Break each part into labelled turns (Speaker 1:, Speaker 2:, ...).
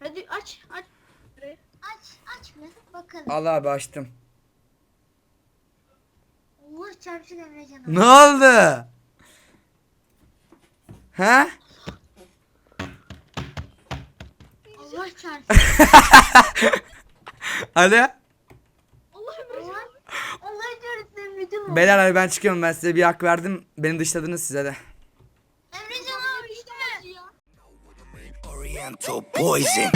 Speaker 1: Hadi aç.
Speaker 2: Aç mı? Bakalım.
Speaker 3: Al abi açtım.
Speaker 2: Allah çarpsın Emrecan abi.
Speaker 3: Ne oldu? He?
Speaker 2: Allah çarpsın.
Speaker 3: Hadi.
Speaker 1: Allah Emrecan.
Speaker 2: Allah çarpsın Emrecan abi.
Speaker 3: Beyler hadi ben çıkıyorum, ben size bir hak verdim. Beni dışladınız size de.
Speaker 2: Emrecan abi işte.
Speaker 4: Oriental poison.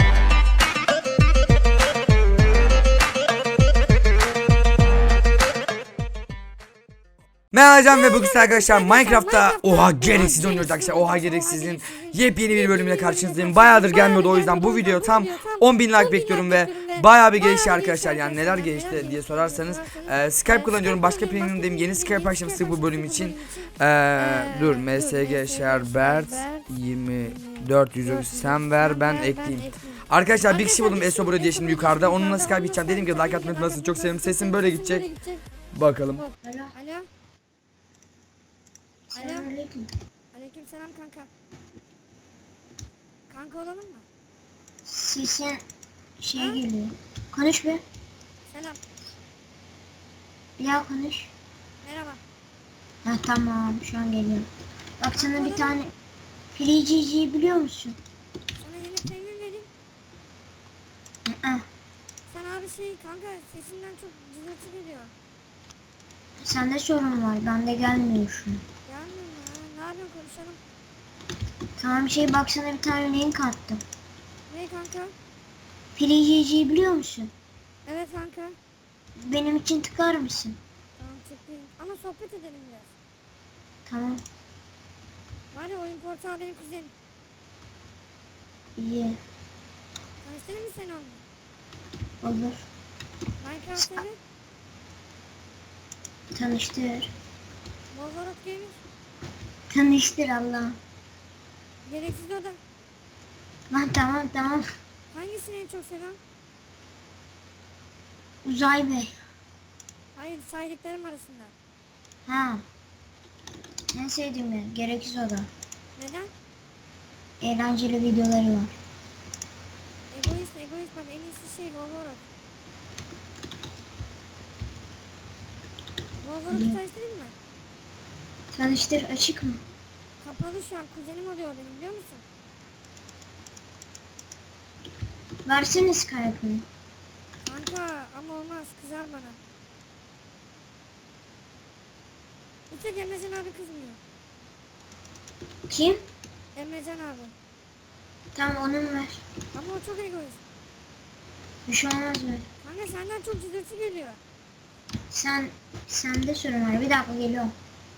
Speaker 3: Merhaba hocam ve bugün size arkadaşlar Minecraft'ta oha gereksiz oynuyoruz arkadaşlar. Oha gereksizin yepyeni bir bölümle karşınızdayım. Bayağıdır gelmiyordu, o yüzden bu video tam 10.000 like bekliyorum ve bayağı bir gelişti arkadaşlar. Yani neler gelişti diye sorarsanız Skype kullanıyorum, başka premium'dayım. Yeni Skype açmıştık bu bölüm için. Dur, MSG Sherbert 2400 sen ver ben ekleyeyim. Arkadaşlar bir kişi buldum, Eso Bro diye, şimdi yukarıda. Onunla Skype gideceğim. Dedim ki like atmayı unutmasın, çok sevdim. Sesim böyle gidecek. Bakalım.
Speaker 2: Alo.
Speaker 5: Alo.
Speaker 2: Selamünaleyküm.
Speaker 5: Aleykümselam kanka. Kanka olalım mı?
Speaker 2: Sesin geliyor. Konuş be.
Speaker 5: Selam.
Speaker 2: Ya konuş.
Speaker 5: Merhaba.
Speaker 2: Ha tamam, şu an geliyor. Bak sana bir tane Pirici'yi biliyor musun?
Speaker 5: Sana yeni premium vereyim.
Speaker 2: Hı.
Speaker 5: Sen abi kanka sesinden çok cızırtı geliyor.
Speaker 2: Sende sorun var, bende gelmiyor şu an.
Speaker 5: Gelmiyor mu ya? Ne yapıyorsun, konuşalım.
Speaker 2: Tamam bak sana bir tane link attım.
Speaker 5: Ne kanka?
Speaker 2: Pirici'yi biliyor musun?
Speaker 5: Evet kanka.
Speaker 2: Benim için tıklar mısın?
Speaker 5: Tamam çıkayım. Ama sohbet edelim biraz.
Speaker 2: Tamam.
Speaker 5: Var ya, oyun portalı benim kuzenim.
Speaker 2: İyi.
Speaker 5: Tanıştırayım mı seni onunla?
Speaker 2: Olur.
Speaker 5: Minecraft sever.
Speaker 2: Tanıştır.
Speaker 5: Wolverot Gamer.
Speaker 2: Tanıştır Allah.
Speaker 5: Gereksiz oda.
Speaker 2: Lan tamam.
Speaker 5: Hangisini en çok seviyorsun?
Speaker 2: Uzay Bey.
Speaker 5: Hayır, saydıklarım arasında.
Speaker 2: Ha. En sevdiğim yer. Gereksiz oda.
Speaker 5: Neden?
Speaker 2: Eğlenceli videoları var.
Speaker 5: Egoist bak, en iyisi Wolverot. Wolverot'u tanıştırayım mı?
Speaker 2: Tanıştır, açık mı?
Speaker 5: Kapalı şu an, kuzenim oluyor benim, biliyor musun?
Speaker 2: Versene Skype'ını.
Speaker 5: Kanka ama olmaz, kızar bana. Bir tek Emrecan abi kızmıyor.
Speaker 2: Kim?
Speaker 5: Emrecan abi.
Speaker 2: Tamam onun ver.
Speaker 5: Ama o çok egoist.
Speaker 2: Bir şey olmaz ver.
Speaker 5: Kanka senden çok cızırtı geliyor.
Speaker 2: Sende sorun var. Bir dakika geliyorum.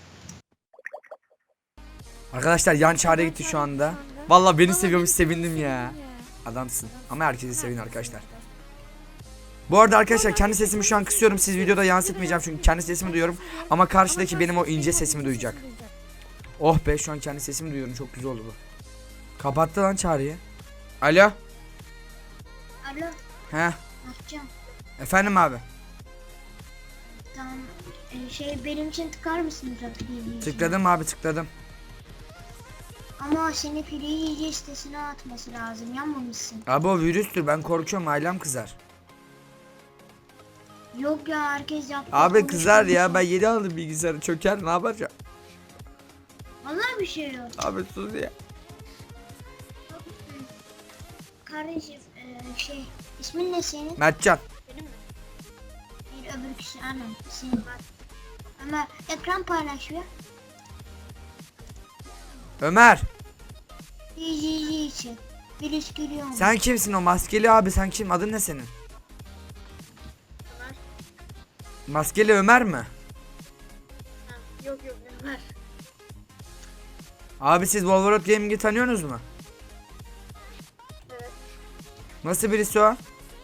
Speaker 3: Arkadaşlar yan çare gitti şu anda. Vallahi beni seviyormuş, sevindim ya. Adamsın. Ama herkesi sevin arkadaşlar. Bu arada arkadaşlar kendi sesimi şu an kısıyorum. Siz videoda yansıtmayacağım çünkü kendi sesimi duyuyorum. Ama karşıdaki benim o ince sesimi duyacak. Oh be, şu an kendi sesimi duyuyorum. Çok güzel oldu bu. Kapattı lan çağrıyı. Alo.
Speaker 2: Alo.
Speaker 3: He.
Speaker 2: Açacağım.
Speaker 3: Efendim abi.
Speaker 2: Tamam. Benim için tıkar mısın Pirici'yi?
Speaker 3: Tıkladım abi, tıkladım.
Speaker 2: Ama seni Pirici'yi sitesine atması lazım. Yanmamışsın.
Speaker 3: Abi o virüstür, ben korkuyorum, ailem kızar.
Speaker 2: Yok ya, herkes yaptı.
Speaker 3: Abi kızar ya, ben yeni aldım bilgisayarı, çöker, ne yapacağım?
Speaker 2: Vallahi bir şey yok.
Speaker 3: Abi sus ya.
Speaker 2: Kardeşim ismin ne senin?
Speaker 3: Mertcan.
Speaker 2: Bir öbür kişi anam. Senin. Ama ekran paylaşıyor.
Speaker 3: Ömer.
Speaker 2: Pirici'yi için. Virüs giriyor mu?
Speaker 3: Sen kimsin o maskeli abi, sen kim, adın ne senin? Maskeli Ömer mi?
Speaker 1: Yok Ömer.
Speaker 3: Abi siz Wolverot Gaming'i tanıyorsunuz mu?
Speaker 1: Evet.
Speaker 3: Nasıl birisi o?
Speaker 1: Nasıl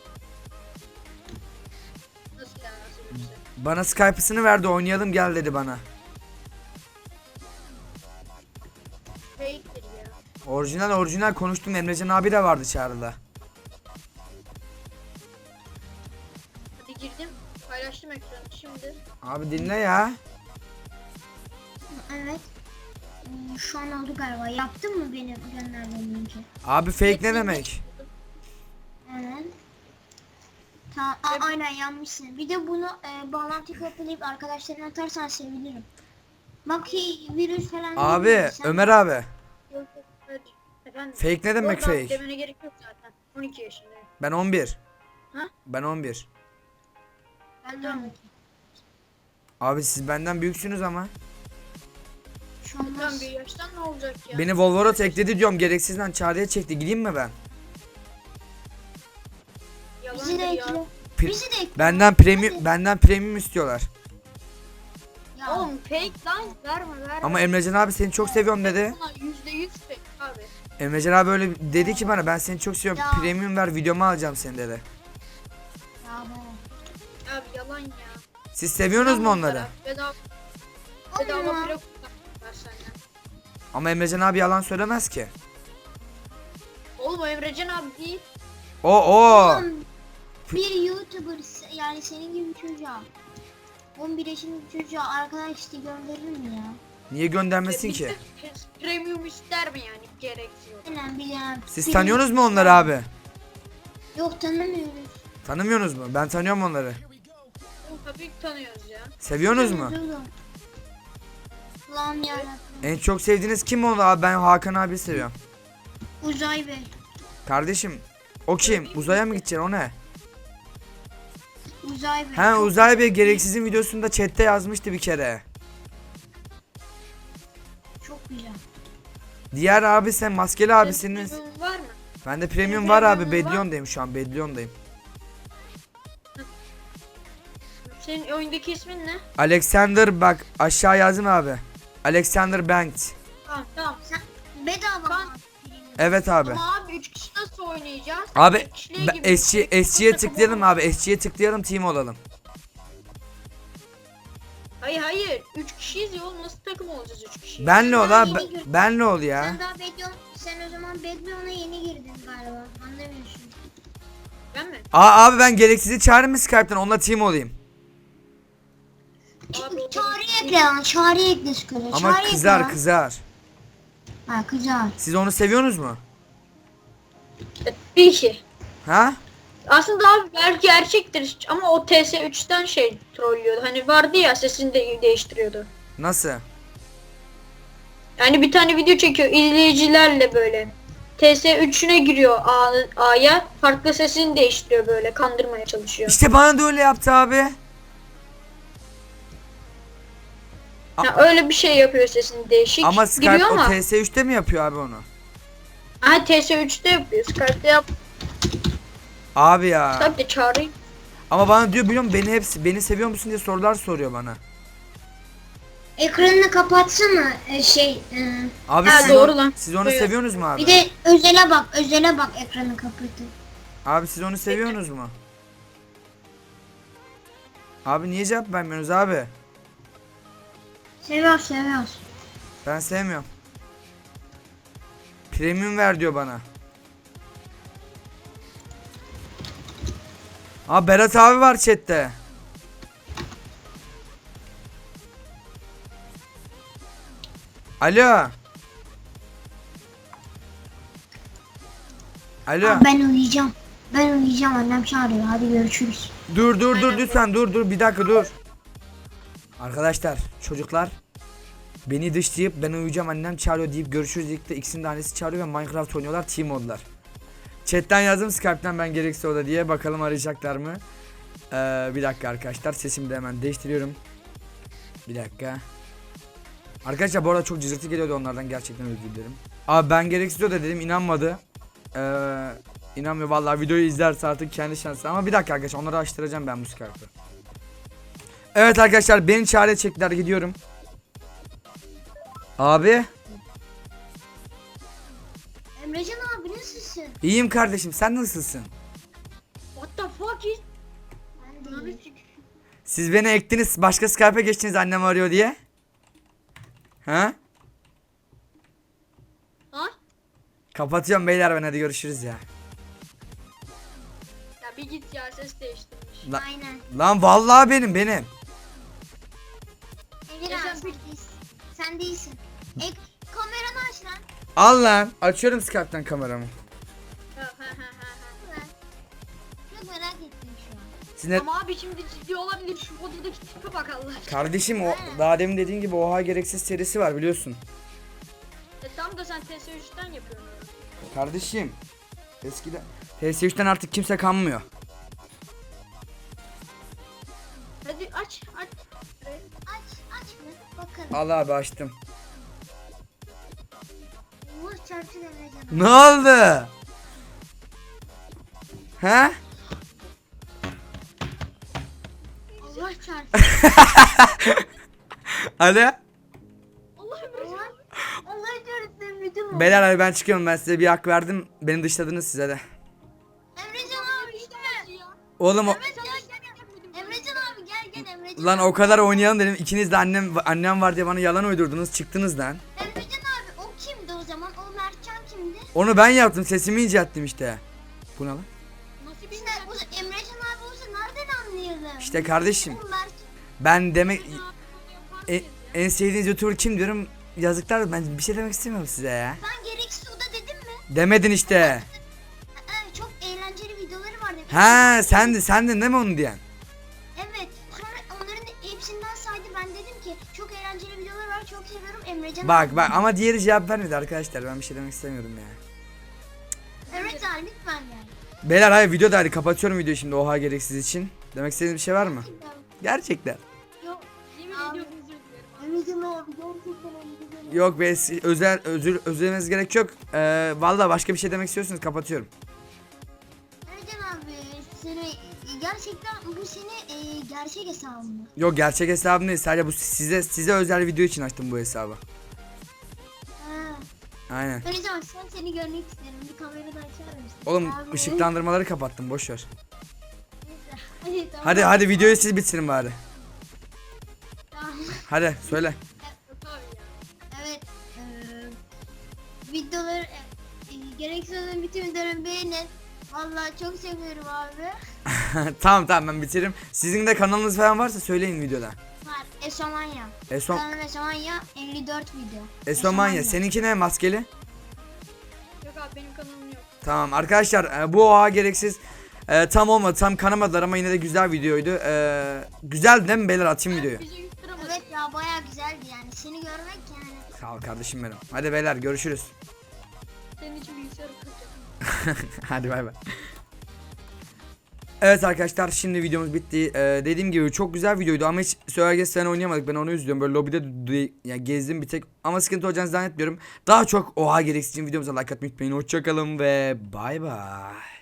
Speaker 1: yani, nasıl bir şey?
Speaker 3: Bana Skype'ısını verdi, oynayalım gel dedi bana.
Speaker 1: Fake'tir ya.
Speaker 3: Orijinal konuştum, Emrecan abi de vardı çağrıda.
Speaker 1: Hadi girdim. Paylaştım ekranı şimdi.
Speaker 3: Abi dinle ya.
Speaker 2: Evet. Şu an oldu galiba. Yaptın mı benim gönderdiğim linki?
Speaker 3: Abi fake ne demek?
Speaker 2: Aynen yanmışsın. Bir de bunu bağlantı kopyalayıp arkadaşlarına atarsan sevinirim. Bak ki virüs falan
Speaker 3: Abi
Speaker 2: değil.
Speaker 3: Ömer abi.
Speaker 1: Yok yok. Hadi. Efendim.
Speaker 3: Fake ne demek
Speaker 1: Oradan
Speaker 3: fake?
Speaker 1: demene gerek yok zaten. 12 yaşındayım.
Speaker 3: Ben 11.
Speaker 1: Ha?
Speaker 3: Ben 11.
Speaker 2: Ben de
Speaker 1: Tamam.
Speaker 2: öyle.
Speaker 3: Abi siz benden büyüksünüz ama.
Speaker 2: Şu
Speaker 1: Tamam
Speaker 2: olmaz.
Speaker 1: bir yaştan ne olacak ya?
Speaker 3: Beni Volvorot ekledi diyorum, gereksizden çağrıya çekti. Gideyim mi ben?
Speaker 2: Bizi de
Speaker 1: Yalandır
Speaker 2: ekle.
Speaker 1: ya.
Speaker 2: Bizi de ekle.
Speaker 3: Benden premium istiyorlar.
Speaker 2: Ya,
Speaker 1: Oğlum fake lan verme.
Speaker 3: Ama Emrecan abi seni çok seviyorum dedi.
Speaker 1: Buna %100 fake abi.
Speaker 3: Emrecan abi öyle dedi ki bana, ben seni çok seviyorum.
Speaker 2: Ya.
Speaker 3: Premium ver, videomu alacağım seni dedi.
Speaker 2: ya be.
Speaker 1: Abi yalan ya.
Speaker 3: Siz seviyorsunuz mu onları?
Speaker 1: Bedava
Speaker 2: Olma.
Speaker 1: bile kullanmışlar senden.
Speaker 3: Ama Emrecan abi yalan söylemez ki.
Speaker 1: Oğlum o Emrecan abi değil.
Speaker 3: O.
Speaker 2: Oğlum, bir YouTuber yani senin gibi bir çocuğa 11 yaşındaki çocuğa arkadaş işte gönderir mi ya?
Speaker 3: Niye göndermesin ki?
Speaker 1: Premium ister mi yani? Gereksiyor.
Speaker 2: Aynen bilen.
Speaker 3: Siz tanıyorsunuz mu onları abi?
Speaker 2: Yok tanımıyoruz.
Speaker 3: Tanımıyorsunuz mu? Ben tanıyorum onları.
Speaker 1: Oğlum tabii ki tanıyoruz ya.
Speaker 3: Seviyorsunuz mu?
Speaker 2: Allah'ım yarabbim.
Speaker 3: En çok sevdiğiniz kim oldu abi? Ben Hakan abi seviyorum.
Speaker 2: Uzay Bey.
Speaker 3: Kardeşim o kim? Uzaya mı gideceksin, o ne?
Speaker 2: Uzay Bey.
Speaker 3: He
Speaker 2: Çok-
Speaker 3: Uzay Bey gereksizin videosunda chatte yazmıştı bir kere.
Speaker 2: Çok güzel.
Speaker 3: Diğer abi sen maskeli abisiniz.
Speaker 1: Premium var mı?
Speaker 3: Bende premium var abi,
Speaker 1: Premium var.
Speaker 3: Bedlion'dayım şu an, Bedlion'dayım.
Speaker 1: Senin oyundaki ismin ne?
Speaker 3: Alexander, bak aşağı yazdım abi. Alexander Banks.
Speaker 1: Tamam.
Speaker 2: Sen bedava
Speaker 1: Kan-
Speaker 2: mı?
Speaker 3: Evet abi.
Speaker 1: Ama abi 3 kişi nasıl oynayacağız?
Speaker 3: Abi
Speaker 1: Tek kişiliğe gibi.
Speaker 3: SG'ye tıklayalım abi. SG'ye tıklayalım, team olalım.
Speaker 1: Hayır. 3 kişiyiz ya oğlum, nasıl takım olacağız 3 kişi?
Speaker 3: Benle ol
Speaker 2: Ben
Speaker 3: abi.
Speaker 2: yeni girdim.
Speaker 3: Benle ol ya.
Speaker 2: Sen daha Bedlion, sen o zaman Bedlion'a yeni girdin galiba. Anlamıyorsun.
Speaker 1: Ben mi?
Speaker 3: Abi ben gereksizi çağırayım mı Skype'tan, onunla team olayım.
Speaker 1: Abi o
Speaker 2: Çağrı'ya ekle lan. Çağrı'ya ekle Skype'a.
Speaker 3: Ama
Speaker 2: Çağrı'ya ekle
Speaker 3: kızar
Speaker 2: lan.
Speaker 3: kızar.
Speaker 2: Ha kızar.
Speaker 3: Siz onu seviyorsunuz mu?
Speaker 1: bir iki.
Speaker 3: Ha?
Speaker 1: Aslında abi belki gerçektir ama o TS3'ten trollüyordu. Hani vardı ya, sesini de değiştiriyordu.
Speaker 3: Nasıl?
Speaker 1: Yani bir tane video çekiyor izleyicilerle böyle. TS3'üne giriyor A'ya, farklı sesini değiştiriyor, böyle kandırmaya çalışıyor.
Speaker 3: İşte bana da öyle yaptı abi.
Speaker 1: Ya öyle bir şey yapıyor, sesini değişik.
Speaker 3: Ama Skype
Speaker 1: giriyor
Speaker 3: o
Speaker 1: ama.
Speaker 3: TS3'te mi yapıyor abi onu?
Speaker 1: Ha TS3'te yapıyor. Skype'de yap.
Speaker 3: Abi ya.
Speaker 1: Skype'de çağırayım.
Speaker 3: Ama bana diyor, biliyor musun, beni seviyor musun diye sorular soruyor bana.
Speaker 2: Ekranını kapatsana
Speaker 3: Abi
Speaker 1: Ha,
Speaker 3: siz,
Speaker 1: doğru lan.
Speaker 3: siz onu
Speaker 1: Buyur.
Speaker 3: seviyorsunuz mu abi?
Speaker 2: bir de özele bak ekranı kapatıp.
Speaker 3: Abi siz onu seviyorsunuz mu? Abi niye cevap vermiyorsunuz abi?
Speaker 2: Seviyoruz.
Speaker 3: Ben sevmiyorum. Premium ver diyor bana. Abi Berat abi var chatte. Alo. Alo.
Speaker 2: Aa, ben uyuyacağım. Annem çağırıyor. Hadi görüşürüz.
Speaker 3: Dur lütfen dur bir dakika dur. Arkadaşlar çocuklar beni dışlayıp ben uyuyacağım annem çağırıyor deyip görüşürüz deyip de ikisinin de annesi çağırıyor ve Minecraft oynuyorlar, team oldular. Chatten yazdım Skype'ten ben gerekse oda diye, bakalım arayacaklar mı? Bir dakika arkadaşlar, sesimi de hemen değiştiriyorum. Bir dakika. Arkadaşlar bu arada çok cızırtı geliyordu onlardan, gerçekten özür dilerim. Abi ben gereksiz oda dedim, inanmadı. İnanmıyor vallahi, videoyu izlerse artık kendi şansı. Ama bir dakika arkadaşlar, onları açtıracağım ben bu Skype'ı. Evet arkadaşlar beni çağrıya çektiler, gidiyorum. Abi
Speaker 2: Emrecan abi nasılsın?
Speaker 3: iyiyim kardeşim, sen nasılsın?
Speaker 1: What the fuck is?
Speaker 2: Ben de iyiyim.
Speaker 3: Siz beni ektiniz, başka Skype'a geçtiniz annem arıyor diye. Ha?
Speaker 1: Ha?
Speaker 3: Kapatıyorum beyler ben, hadi görüşürüz ya.
Speaker 1: Ya bir git ya, ses değiştirmiş.
Speaker 2: Aynen.
Speaker 3: Lan vallahi benim.
Speaker 2: Emir
Speaker 1: Ya
Speaker 2: abi
Speaker 1: sen
Speaker 2: sen değilsin. Sen değilsin. Kameranı aç lan.
Speaker 3: Al lan, açıyorum Skype'tan kameramı.
Speaker 1: Ha.
Speaker 2: Çok merak ettim şu an.
Speaker 3: Siz ne...
Speaker 1: Ama abi şimdi ciddi olabilir. Şu odadaki tipe bak Allah aşkına.
Speaker 3: Kardeşim o daha demin dediğin gibi oha gereksiz serisi var biliyorsun.
Speaker 1: Tam da sen TS3'ten yapıyorsun onu.
Speaker 3: Kardeşim eskiden PS3'ten artık kimse kanmıyor.
Speaker 1: Hadi aç.
Speaker 2: Aç mı? Bakın.
Speaker 3: Allah abi açtım.
Speaker 2: Allah çarpsın Emrecan.
Speaker 3: Ne oldu? He?
Speaker 2: Allah çarpsın.
Speaker 3: Hadi.
Speaker 1: Allah Emrecan.
Speaker 2: Allah çarpsın Emrecan.
Speaker 3: Beyler hadi ben çıkıyorum, ben size bir hak verdim. Beni dışladınız size de.
Speaker 2: Emrecan abi işte.
Speaker 3: Oğlum o...
Speaker 2: Emrecan abi gel Emrecan.
Speaker 3: Lan o kadar oynayalım dedim. İkiniz de annem var diye bana yalan uydurdunuz. Çıktınız lan.
Speaker 2: Emrecan abi o kimdi o zaman? O Mertcan kimdi?
Speaker 3: Onu ben yaptım. Sesimi incelttim işte. Bu ne lan?
Speaker 1: Nasıl bir
Speaker 2: İşte o Emrecan abi olsa nereden anlayalım?
Speaker 3: İşte kardeşim.
Speaker 2: O Mert.
Speaker 3: Ben demek... en sevdiğiniz YouTuber kim diyorum. Yazıklar, ben bir şey demek istemiyorum size ya.
Speaker 2: Ben gereksiz oda dedim mi?
Speaker 3: Demedin işte.
Speaker 2: Çok eğlenceli videoları var dedim.
Speaker 3: Ha sendin değil mi onu diyen?
Speaker 2: Evet. Sonra onların hepsinden saydı. Ben dedim ki çok eğlenceli videolar var. Çok seviyorum Emrecan abi.
Speaker 3: Bak ama diğeri cevap vermedi arkadaşlar. Ben bir şey demek istemiyorum ya.
Speaker 2: Emrecan abi lütfen gel.
Speaker 3: Beyler hayır, video da hadi kapatıyorum videoyu şimdi oha gereksiz için. Demek istediğiniz bir şey var mı? Gerçekten.
Speaker 2: Yok.
Speaker 1: Yemin
Speaker 2: Abi.
Speaker 1: ediyorum özür dilerim.
Speaker 2: Emrecan abi gerçekten Emrecan abi.
Speaker 3: Yok be, özür dilemeniz gerek yok. Vallahi başka bir şey demek istiyorsanız kapatıyorum.
Speaker 2: Emrecan abi seni gerçekten bu seni gerçek hesabın mı?
Speaker 3: Yok gerçek hesabım değil, sadece bu size özel video için açtım bu hesabı.
Speaker 2: Ha.
Speaker 3: Aynen.
Speaker 2: Emrecan sen seni görmek isterim. Bir kamerayı da açar mısın?
Speaker 3: Oğlum
Speaker 2: Abi.
Speaker 3: ışıklandırmaları kapattım, boş ver.
Speaker 2: Hadi tamam.
Speaker 3: Hadi videoyu siz bitirin bari.
Speaker 2: Tamam.
Speaker 3: Hadi söyle.
Speaker 1: Yok abi ya.
Speaker 2: Evet. Videoları gereksiz olan bütün videoları beğenin. Vallahi çok seviyorum abi.
Speaker 3: Tamam ben bitiririm. Sizin de kanalınız falan varsa söyleyin videoda.
Speaker 2: Var. Esomanya.
Speaker 3: Esom
Speaker 2: Kanalım Esomanya 54 video.
Speaker 3: Esomanya. Seninki ne, maskeli?
Speaker 1: Yok abi benim kanalım yok.
Speaker 3: Tamam arkadaşlar, bu oha gereksiz tam olmadı, tam kanamadılar ama yine de güzel videoydu. Güzel değil mi beyler, atayım videoyu.
Speaker 1: Bize 100 lira
Speaker 2: Evet ya bayağı güzeldi yani. Seni görmek yani.
Speaker 3: Sağ ol kardeşim benim. Hadi beyler görüşürüz.
Speaker 1: senin için bilgisayarı kıracağım.
Speaker 3: Hadi bay bay. Evet arkadaşlar, şimdi videomuz bitti. Dediğim gibi çok güzel videoydu ama hiç Söyleyeceğiz sen oynayamadık. Ben onu üzülüyorum. Böyle lobide yani gezdim bir tek ama sıkıntı olacağını zannetmiyorum. Daha çok oha gereksiz videomuza like atmayı unutmayın. Hoşçakalın ve bay bay.